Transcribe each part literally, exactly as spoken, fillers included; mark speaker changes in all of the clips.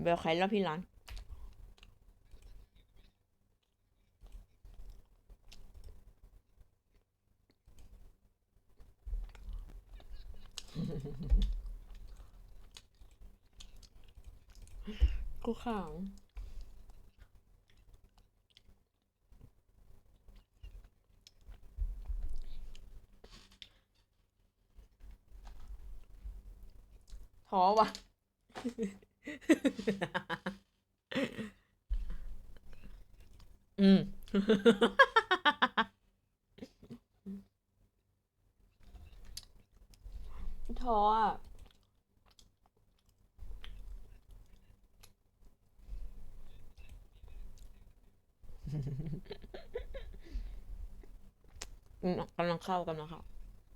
Speaker 1: เบลใครรอบพี่ร้านกูขังท้อว่ะ อืม ท้ออ่ะ อืมกำลังเข้ากำลังเข้า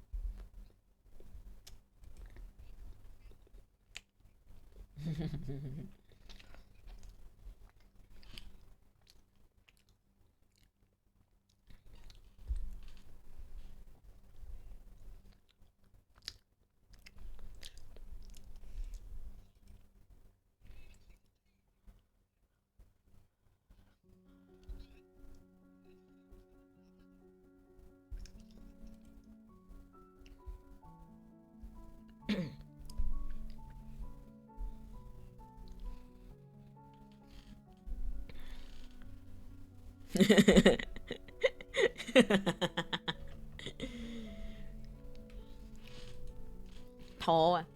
Speaker 1: ท้ออ่ะ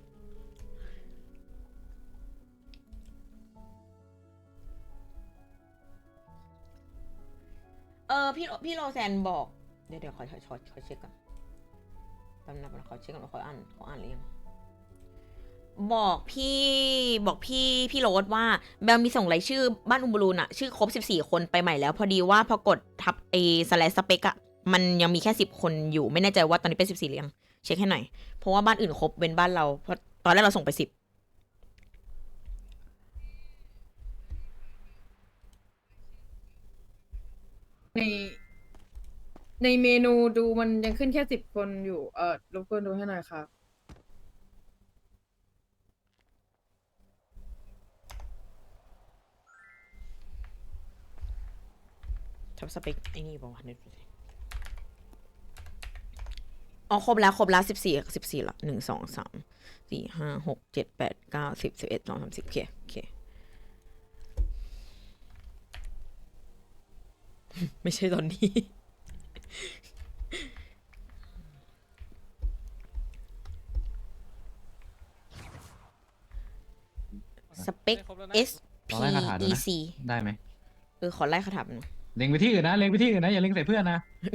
Speaker 1: เออพี่พี่โรแซนบอก เดี๋ยวเดี๋ยวขอขอขอขอเช็คก่อนแป๊บนึงนะขอเช็คก่อนว่าเขาอ่านเขาอ่านหรือยังบอกพี่บอกพี่พี่โรสว่าแบลมีส่งรายชื่อบ้านอุมบลูนอะชื่อครบสิบสี่คนไปใหม่แล้วพอดีว่าพอกดทับเอสแลสสเปกอะมันยังมีแค่สิบคนอยู่ไม่แน่ใจว่าตอนนี้เป็นสิบสี่หรือยังเช็คให้หน่อยเพราะว่าบ้านอื่นครบเป็นบ้านเราเพราะตอนแรกเราส่งไปสิบ
Speaker 2: ในในเมนูดูมันยังขึ้นแค่สิบคนอยู่ เออรบกวนดูให้หน่อยครับ
Speaker 1: ทับสเปกไอ้นี่บอกว่านึกอ๋อครบแล้วครบแล้วสิบสี่สิบสี่ละหนึ่งสองสามสี่ห้าหกเจ็ดแปดเก้าสิบสิบเอ็ดสองสามสิบโอเคโอเคไม่ใช่ตอนนี้ สเปค S
Speaker 3: ล
Speaker 1: P
Speaker 3: องไล่คาถาดู
Speaker 1: E
Speaker 3: นะ
Speaker 1: C
Speaker 3: ได้ไหม
Speaker 1: เออขอไล่คาถาหน่อย
Speaker 3: เล็งไปที่อื่นนะเล็งไปที่อื่นนะอย่าเล็งใส่เพื่อนนะ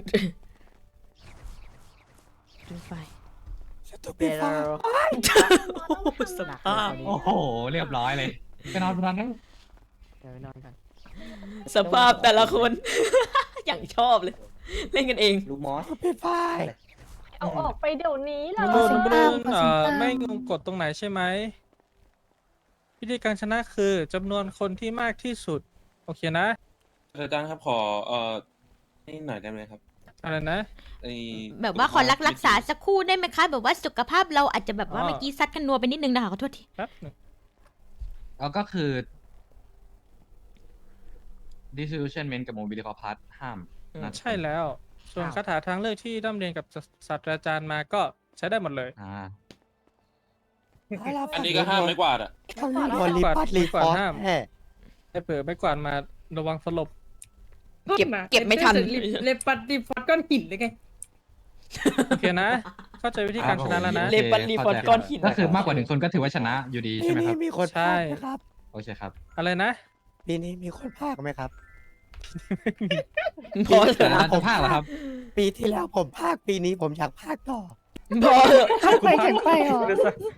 Speaker 1: ดูไฟ
Speaker 4: เบล
Speaker 1: สภาพ
Speaker 3: โอ้โหเรียบร้อยเลยไปนอนไปนอนนะ
Speaker 4: เดี๋ยวไปนอนกัน
Speaker 1: สภาพแต่ละคน อย่างชอบเลย เล่นกันเอง
Speaker 4: ลูกมอส
Speaker 5: ปิดไฟ
Speaker 6: เอาออกไปเดี๋ยวนี้เล
Speaker 5: ขอสิ
Speaker 6: ย
Speaker 5: ง
Speaker 7: บ
Speaker 5: ตา
Speaker 7: รู
Speaker 5: ม
Speaker 7: น
Speaker 5: ขอ
Speaker 7: เอ่
Speaker 5: สิง
Speaker 7: อ
Speaker 5: ตาม
Speaker 7: ไม่งงกฎตรงไหนใช่ไหมวิธีการชนะคือจำนวนคนที่มากที่สุด โอเคนะ
Speaker 8: อาจารย์ครับขอเอ่อนี่หน่อยได้ไหมครับ
Speaker 7: อะไรนะ
Speaker 8: ไอ้
Speaker 1: แบบว่าขอรักรักษาสักครู่ได้ไหมคะ แบบว่าสุขภาพเราอาจจะแบบว่า
Speaker 7: อ๋อ
Speaker 1: เมื่อกี้ซัดกันนัวไปนิดนึงนะคะขอโทษที
Speaker 7: แป๊บหนึง
Speaker 3: แล้วก็คือ disillusionment กับ mobility compass ห้ามนัด
Speaker 7: ใช่แล้ว ส่วนคาถาทางเลือกที่ร่ำเรียนกับศาสตราจารย์มาก็ใช้ได้หมดเลย
Speaker 3: อ่า
Speaker 8: อันนี้ก็ห้ามไม่กวาดอ่ะ
Speaker 5: คำนี้โดนรีปัดรีฟอร์สแห่
Speaker 7: ให้เผื่อไม่กวาดมาระวังสลบ
Speaker 1: เก็บเก็บไม่ทัน
Speaker 2: เลปัดดิฟัดก้อนหินเลยไง
Speaker 7: โอเคนะ เข้าใจวิธีการชนะแล้วนะ
Speaker 3: โอค
Speaker 1: เลปัดรีฟอร์สก้อนหิน
Speaker 3: ก็คือมากกว่าหนึ่งคนก็ถือว่าชนะอยู่ดี
Speaker 5: ปี
Speaker 3: ใช่ไหม
Speaker 5: นี้
Speaker 3: ครับ
Speaker 5: มีคน
Speaker 7: ใช่
Speaker 5: พากไหมครับ
Speaker 3: โอเคครับ
Speaker 7: อะไรนะ
Speaker 5: ปีนี้มีคนพากไหมครับ
Speaker 1: พอเถ
Speaker 3: แต่
Speaker 1: อะ
Speaker 3: ละจะภาคเหรอครับ
Speaker 5: ปีที่แล้วผมพากปีนี้ผมอยากพากต่อ
Speaker 1: พอเถอะ
Speaker 5: ข้าไปแข่งไปเหรอ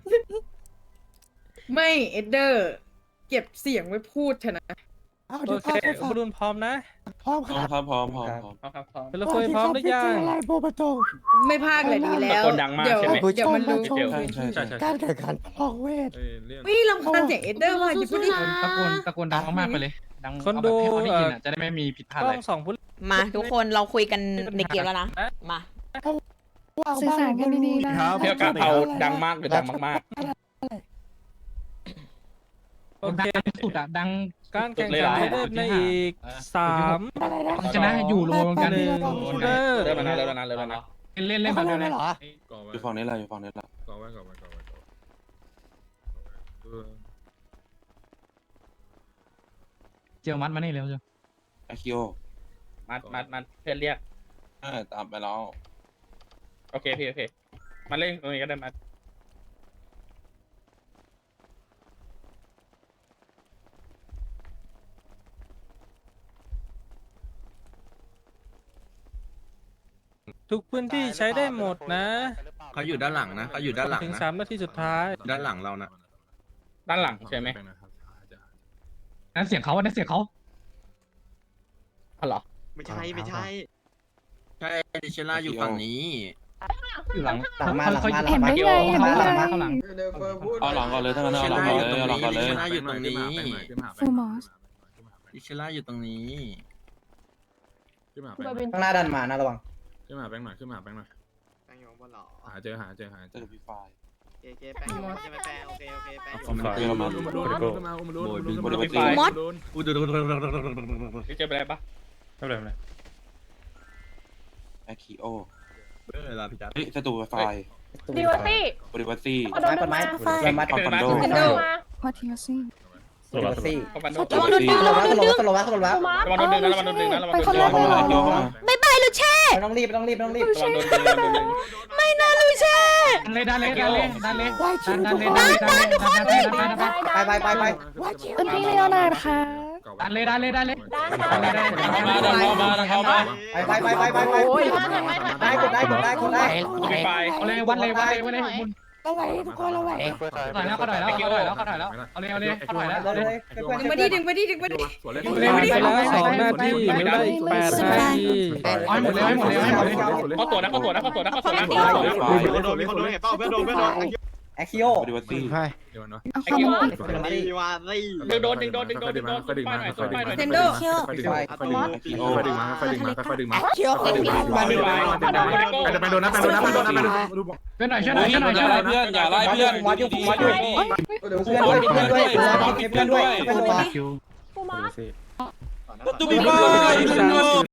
Speaker 2: ไม่เอดเดอร์ เก็บเสียงไว้พูดเถอะนะ
Speaker 5: เอา
Speaker 7: โอ
Speaker 5: เดี๋ยว
Speaker 7: เค
Speaker 5: พากให้ฟัง
Speaker 7: บรูนพร้อมนะ
Speaker 5: พร้อม
Speaker 8: พ
Speaker 5: ค
Speaker 8: ร้อม
Speaker 5: รับ
Speaker 8: ครับพร้อมพร้อมพร้อม
Speaker 7: พร้อมครับพร้อมเป็นละคุยพร้อมหรือยัง
Speaker 5: อะไรโบประตง
Speaker 2: ไม่พากเลยดีแล้ว
Speaker 4: ตะโกนดังมาก
Speaker 2: เดี๋ยว
Speaker 4: ใช่ไหม
Speaker 2: เดี๋ยวมันรู้
Speaker 5: ผู้ชม
Speaker 8: ใช่ใช่ใช่
Speaker 5: การแข่งขันประลองเวท
Speaker 2: ไม่ลำคาญเสียงเอดเดอร์ว่ะหยุดพูดดิ
Speaker 3: ตะโกนตะโกนดังมากๆไปเลย ดัง
Speaker 7: คน
Speaker 3: เอาแบบ
Speaker 7: ดู
Speaker 3: ให้เขาได้ยิน
Speaker 7: เอ่
Speaker 3: อ่ะ
Speaker 7: อ
Speaker 3: จะได้ไม่มีผิดพลาด
Speaker 7: ก
Speaker 3: อะ
Speaker 7: ล้
Speaker 3: ไร
Speaker 7: องสองผู้
Speaker 1: มาทุกคนเราคุยกันในเกมแล้วนะ มา
Speaker 5: สื่อสารกันดีๆนะ
Speaker 4: เที่ยวกับเอาดังมากหรือดังมาก
Speaker 7: โออเค
Speaker 3: สุดอะดัง
Speaker 7: การแข่งขันให้เริ่มในอีกสาม
Speaker 3: ชนะอยู่รวมกัน
Speaker 7: หนึ่งเริ่ม
Speaker 8: เริ่มแล้วนะเริ่มแล้วนะเริ่มแล้วนะ
Speaker 3: เล่นเล่นแบบนี้
Speaker 5: เหรอ
Speaker 8: อยู่ฝั่งนี้แหละอยู่ฝั่งนี้แหละ
Speaker 9: ก่อไว้ก่อไว้ก่อไว้ก่อไว้เออ
Speaker 3: เจียวมัดมานี่เร็วเจียว
Speaker 8: ไอคิโอ
Speaker 10: มัดมัดมัดเพื่อนเรียก
Speaker 8: อ่าตามไปแล้ว
Speaker 10: โอเคพี่โอเคมาเล่นตรงนี้ก็ได้มัด
Speaker 7: ทุกพื้นที่ใช้ได้หมดนะ
Speaker 9: เขาอยู่ด้านหลังนะเขาอยู่ด้านหลัง
Speaker 7: ถึง
Speaker 9: นะ
Speaker 7: สามนาทีสุดท้าย
Speaker 9: ด้านหลังเรานะ
Speaker 10: ด้านหลังใช่ไหม
Speaker 3: นั่นเสียงเขานั่นเสียงเขา
Speaker 10: อ๋อเหรอ
Speaker 4: ไม่ใช่ไม่ใช่
Speaker 9: ใช่ดิเชล่าอยู่ฝั่งนี้
Speaker 3: อยู่หลัง
Speaker 4: หลังมาหลังมา
Speaker 5: เห็นได้ไงเห็นได้ไง
Speaker 3: ข้างหลัง
Speaker 8: เอาหลังก่อนเลยถ้างั้นเอาหลังก่อนเลยเอาหลังก่อนเลย
Speaker 9: ดิเชล่าอยู่ตรงนี้
Speaker 5: ฟูมอส
Speaker 9: ดิเชล่าอยู่ตรงนี้
Speaker 6: บอยบิน
Speaker 4: ข้างหน้าดันมานะระวัง
Speaker 9: ขึ้นมาแบงค์หน่อยขึ้นมาแบงค์หน่อย
Speaker 4: แป้งอยู่บนหรอ
Speaker 9: หาเจอหาเจอหาเจ
Speaker 8: เจ
Speaker 9: อ
Speaker 8: อพี่ไฟ
Speaker 4: เจเจแป้งอยู่ใช่ไหมแป้งโอเคโอเคแป้งอยู่
Speaker 8: ผมเจอมา
Speaker 9: อุ้มรูนขึ้นมาอุ้มรูนอุ้มรูน
Speaker 8: บริวาร
Speaker 10: ไฟ
Speaker 1: มด
Speaker 9: อุ้มรูน
Speaker 10: พี่เจอไปอะไรปะ
Speaker 7: ไม่เป็นไรไม่เป็นไร
Speaker 8: ไอคิโอ
Speaker 9: เวลาพี่จัด
Speaker 8: เฮ้ยศัตรูไฟ
Speaker 6: ดีวอตี้
Speaker 8: บริวารซี่
Speaker 6: เอาโดนดึงมา
Speaker 4: ไม้มัด
Speaker 8: คอมคอนโด
Speaker 6: คอนโดมา
Speaker 5: วัตทิวซี่
Speaker 4: ซี่
Speaker 10: คอมบันโด
Speaker 1: ระวังโดนดึง
Speaker 4: ส
Speaker 1: ระ
Speaker 4: โล
Speaker 1: วัง
Speaker 4: ว์
Speaker 1: โดน
Speaker 4: สโล
Speaker 1: ดึง
Speaker 4: ว์สโลว์สโลว์
Speaker 6: กูมา
Speaker 10: ระวังโดนดึงนะระวังโดนดึงนะระวังโดนดึง
Speaker 5: ไปคนละ
Speaker 8: เข้ามาเยอะเข้ามา
Speaker 1: บายบายลูเช่
Speaker 4: ไม่ต้องรีบไม่ต้องรีบไม่ต้องรีบ
Speaker 10: ระวังโดนดึงระวังโดนดึง
Speaker 1: ไม่นะลูเช่
Speaker 3: เลยดันเลยดันเลยดันเลย
Speaker 5: วายคิ
Speaker 3: ดั
Speaker 5: วน
Speaker 3: ดั
Speaker 5: ทุ
Speaker 3: น
Speaker 5: ก
Speaker 3: เลย
Speaker 5: คน
Speaker 3: ดันเลยดันเลยดันเลยดันเลย
Speaker 4: ไปไปไปไป
Speaker 5: วายคิวเป็นพี่เลโอนาร์ดค่ะ
Speaker 3: ดันเลยดันเลยดันเลย
Speaker 6: ได้ค่ะ
Speaker 8: เข้ามาดันเข้ามาดันเข้ามา
Speaker 4: ไปไปไปไปไปไป
Speaker 6: โอ้ย
Speaker 4: ได้กดได้กดได้กดได้
Speaker 10: พี่ไฟ
Speaker 3: เอาเลยวัดเลยวัดเลยวัดเลยมุน
Speaker 5: ระไว้ทุกคนระไว้
Speaker 3: ถอยแล้วเขาถอยแล้วเขาถอยแล้วเขาถอยแล้วเอาเลยเอาเลยเขาถอยแล้ว
Speaker 4: เลยเลยเพื่อน
Speaker 2: ดึงมาดิดึงมาดิดึงมาดิ
Speaker 7: เล่นไปแล้วสองนาทีเหลือได้อีกแปดนาที
Speaker 3: เอาให้หมดเลยให้หมดเลยให้หมดเลย
Speaker 10: เขาตัวนะเขาตัวนะเขาตัวนะเขาตัวนะ
Speaker 8: ไฟ
Speaker 9: มีคนโดนมีคนโดนเห็นเปล่าเพื่อนโดนเพื่อนโดน
Speaker 4: แอคคิโอบ
Speaker 8: ริวารซี่
Speaker 9: เดี๋ยวนะ
Speaker 5: เอา
Speaker 10: ไอ้
Speaker 5: เข้า
Speaker 10: คิว
Speaker 5: มา
Speaker 10: ดึงโดนดึงโดนดึงโดนดึงโดน
Speaker 9: ค่อยดึง
Speaker 10: ป้ายหน่อย
Speaker 9: มาค่อยดึง
Speaker 10: ป้ายหน่อย
Speaker 2: เทนโด
Speaker 9: ค่อยดึงมาค่อยดึงมาค่อยดึงมาค่อยดึงมาค่อยดึงมา
Speaker 5: เคียว
Speaker 9: ค่อยดึงมา
Speaker 10: มาดึงมา
Speaker 9: ไปโดนนะไปโดนนะไปโดนนะไปโดนนะ
Speaker 3: เพื่อนหน่อยช่วยหน่อย
Speaker 8: อย่า
Speaker 3: ช่วยหน่อยช่วยหน่อย
Speaker 8: ไล่เพื่อนอย่าไล่เพื่อน
Speaker 4: วัดอยู่วัดอยู่
Speaker 8: ดี
Speaker 4: เพื่อนด้วยเพื่อนด้วยเพื่อนด้วยเพื่อนด้วยเพื่อนด้วย
Speaker 6: กูมา
Speaker 8: ๆประตูพี่ไฟ